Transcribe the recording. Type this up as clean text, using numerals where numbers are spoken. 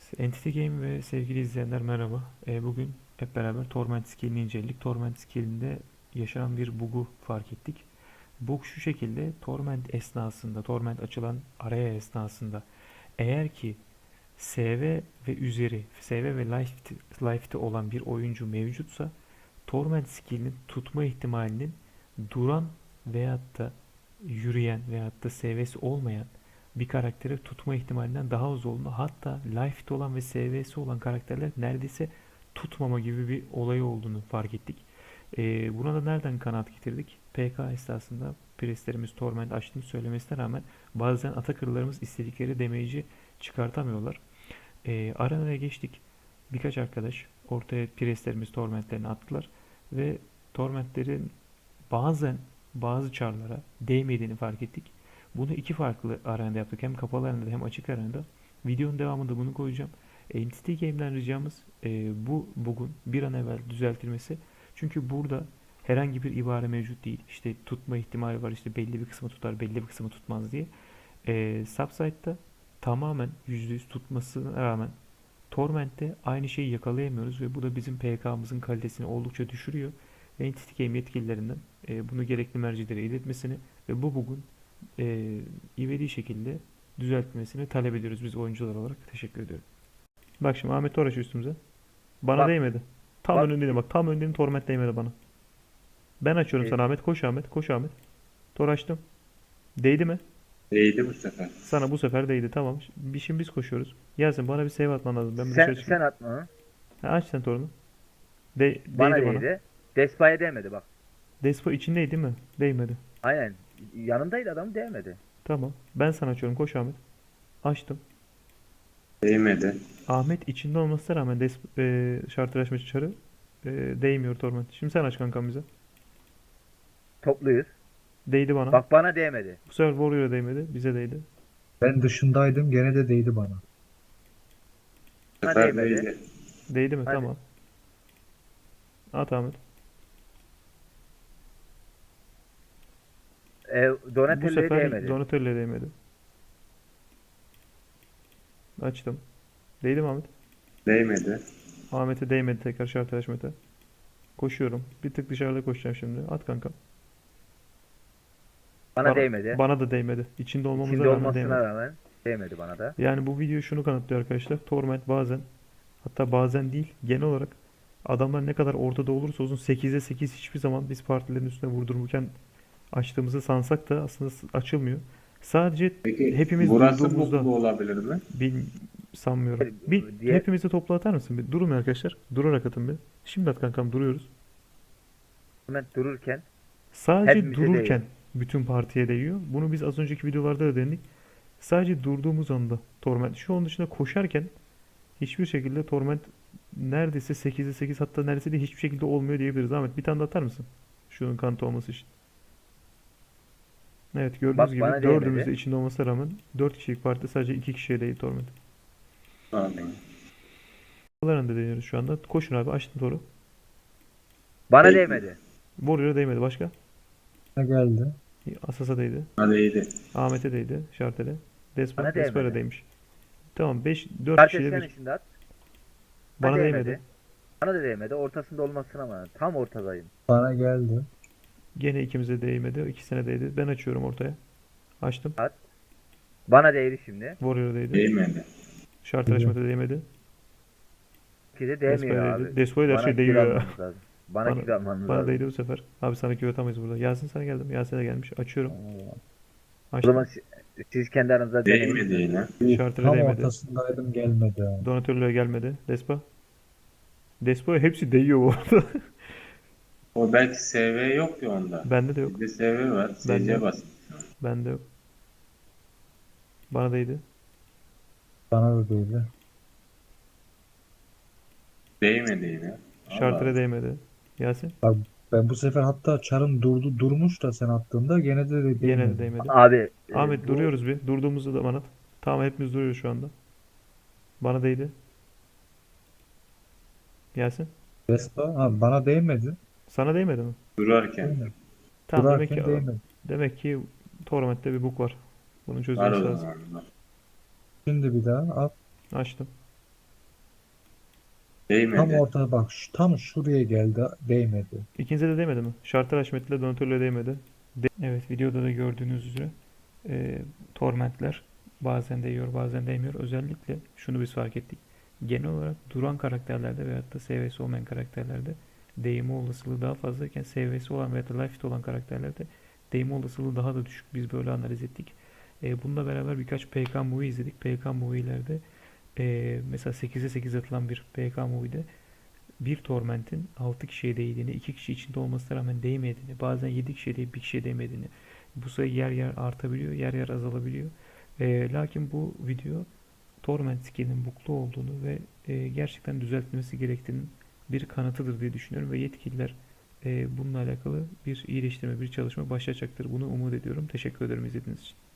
Entity Game ve sevgili izleyenler merhaba. Bugün hep beraber Torment skill'ini inceledik. Torment skill'inde yaşanan bir bug'u fark ettik. Bug şu şekilde: Torment esnasında, Torment açılan araya esnasında eğer ki SV ve üzeri, SV ve life'te olan bir oyuncu mevcutsa Torment skill'inin tutma ihtimalinin duran veyahut da yürüyen veyahut da SV'si olmayan bir karakteri tutma ihtimalinden daha az olduğunu, hatta life'de olan ve SV'si olan karakterler neredeyse tutmama gibi bir olay olduğunu fark ettik. Buna da nereden kanaat getirdik? PK esasında preslerimiz Torment açtığını söylemesine rağmen bazen Atakırlarımız istedikleri damage'i çıkartamıyorlar. Arena'ya geçtik. Birkaç arkadaş ortaya preslerimiz Torment'lerini attılar ve Torment'lerin bazen bazı çarlara değmediğini fark ettik. Bunu iki farklı arenada yaptık. Hem kapalı arenada hem açık arenada. Videonun devamında bunu koyacağım. Entity Game'den ricamız bu bugün bir an evvel düzeltilmesi. Çünkü burada herhangi bir ibare mevcut değil. İşte tutma ihtimali var. İşte belli bir kısmı tutar, belli bir kısmı tutmaz diye. Subsite'da tamamen %100 tutmasına rağmen Torment'te aynı şeyi yakalayamıyoruz ve bu da bizim PK'mızın kalitesini oldukça düşürüyor. Entity Game yetkililerinden bunu gerekli mercilere iletmesini ve bu bugün ivedi şekilde düzeltmesini talep ediyoruz biz oyuncular olarak. Teşekkür ediyorum. Bak şimdi Ahmet Toraş üstümüze. Bana Bak değmedi. Tam bak önündeydi bak. Tam önündeydim, Torment değmedi bana. Ben açıyorum e, sana Ahmet. Koş Ahmet. Koş Ahmet. Tor açtım. Değdi mi? Değdi bu sefer. Sana bu sefer değdi. Tamam. Şimdi biz koşuyoruz. Yasin bana bir save atman lazım. Ben bir dışarı sen çıkayım. atma onu. Ha, aç sen torunu. Bana Değdi bana. değdi. Despa'ya değmedi bak. Despo içindeydi değil mi? Değmedi. Aynen. Yanındaydı adam değmedi. Tamam. Ben sana açıyorum. Koş Ahmet. Açtım. Değmedi. Ahmet içinde olmasına rağmen şartlaşma çarı değmiyor Torment. Şimdi sen aç kankam bize. Topluyuz. Değdi bana. Bak bana değmedi. Bu sefer Warrior'a değmedi. Bize değdi. Ben dışındaydım gene de değdi bana. Bu Bana sefer değmedi. değdi. Değdi mi? Hadi. Tamam. At Ahmet. Bu Donatello'ya sefer değmedi. Donatello'ya değmedi. Açtım. Değdi mi Ahmet? Değmedi. Ahmet'e değmedi tekrar şartlaşmete. Koşuyorum. Bir tık dışarıda koşacağım şimdi. At kankam. Bana değmedi. Bana da değmedi. İçinde olmamıza İçinde rağmen olmasına değmedi. rağmen değmedi bana da. Yani bu video şunu kanıtlıyor arkadaşlar. Torment bazen, hatta bazen değil, genel olarak adamlar ne kadar ortada olursa olsun 8'e 8 hiçbir zaman biz partilerin üstüne vurdururken açtığımızı sansak da aslında açılmıyor. Sadece Peki hepimiz burası durduğumuzda buklu olabilir mi? bil, sanmıyorum. Bir Diye hepimizi topla atar mısın? Bir durun arkadaşlar. Durarak atın bir. Şimdi at kankam, duruyoruz. Torment dururken Sadece hepimize dururken değiyor. bütün partiye değiyor. Bunu biz az önceki videolarda da denedik. Sadece durduğumuz anda Torment. Şu an dışında koşarken hiçbir şekilde Torment neredeyse 8'e 8, hatta neredeyse de hiçbir şekilde olmuyor diyebiliriz. Ahmet bir tane de atar mısın? Şunun kanıtı olması için. Evet, gördüğünüz Bak gibi bana dördümüz de değmedi. içinde olmasına rağmen 4 kişilik partide sadece 2 kişiye değil Torment. Anladım. Aralarında deniyoruz şu anda. Koşun abi, açtım toru. Bana Değdi. değmedi. Warrior'a değmedi, başka? Ne geldi? Asas'a değdi. Ha, değdi. Ahmet'e değdi. Şartel'e. Bana Despera'ya değmedi. değmiş. Tamam, 4 Kardeş kişiyle sen bir. içinde at. Bana Bana değmedi. değmedi. Bana da değmedi. Ortasında olmasına rağmen. Tam ortadayım. Bana geldi. Gene ikimize değmedi. İkisine değdi. Ben açıyorum ortaya. Açtım. At. Bana değdi şimdi. Warrior'a değdi. Değmedi. Şartlaşmada değmedi. Ki de değmiyor Despera'ya değdi. abi. Despo'ya da her Bana şey kill değiyor ya. almamız lazım. Bana Bana, kill almamız bana lazım. değdi bu sefer. Abi sana küve atamayız burada. Yasin sana geldim. Yasin de gelmiş. Açıyorum. O zaman Açtım. siz kendi aranızda deneyin. Değmedi yine. Şartlara Tam değmedi. ortasındaydım gelmedi. Donatello'ya gelmedi. Despo'ya hepsi değiyor bu arada. O belki SV yok ya onda. Bende de yok. Bizde SV var. Bende SC yok. bas. Bende yok. Bana değdi. Bana da değdi. Değmedi yine. Şartlara Allah. değmedi. Yasin. Bak ben bu sefer hatta çarım durmuş da sen attığında gene de Yine de değmedi. değmedi. Abi Ahmet bu duruyoruz bir. Durduğumuzda da bana at. Tamam, hepimiz duruyoruz şu anda. Bana değdi. Yasin. Vespa bana değmedi. Sana değmedi mi? Durarken. Değmedi. Tamam, Durarken değmedi. demek ki Torment'te bir bug var. Bunun Var çözülmesi o lazım. zaman. Şimdi bir daha at. Açtım. Tam Değmedi. ortada bak tam şuraya geldi değmedi. İkinize de değmedi mi? Şartlar Haşmet'le Donatello'ya değmedi. Evet, videoda da gördüğünüz üzere tormentler bazen değiyor bazen değmiyor. Özellikle şunu biz fark ettik. Genel olarak duran karakterlerde veyahut da SV'si olmayan karakterlerde değme olasılığı daha fazlayken SV'si olan veyahut da life olan karakterlerde değme olasılığı daha da düşük. Biz böyle analiz ettik. Bununla beraber birkaç PK movie izledik. PK movie'lerde mesela 8'e 8 atılan bir PK movie'de bir tormentin 6 kişiye değdiğini, 2 kişi içinde olmasına rağmen değmediğini, bazen 7 kişiye değip bir kişiye değmediğini, bu sayı yer yer artabiliyor, yer yer azalabiliyor. Lakin bu video torment skill'inin bug'lu olduğunu ve gerçekten düzeltilmesi gerektiğinin bir kanıtıdır diye düşünüyorum ve yetkililer bununla alakalı bir iyileştirme, bir çalışma başlayacaktır. Bunu umut ediyorum. Teşekkür ederim izlediğiniz için.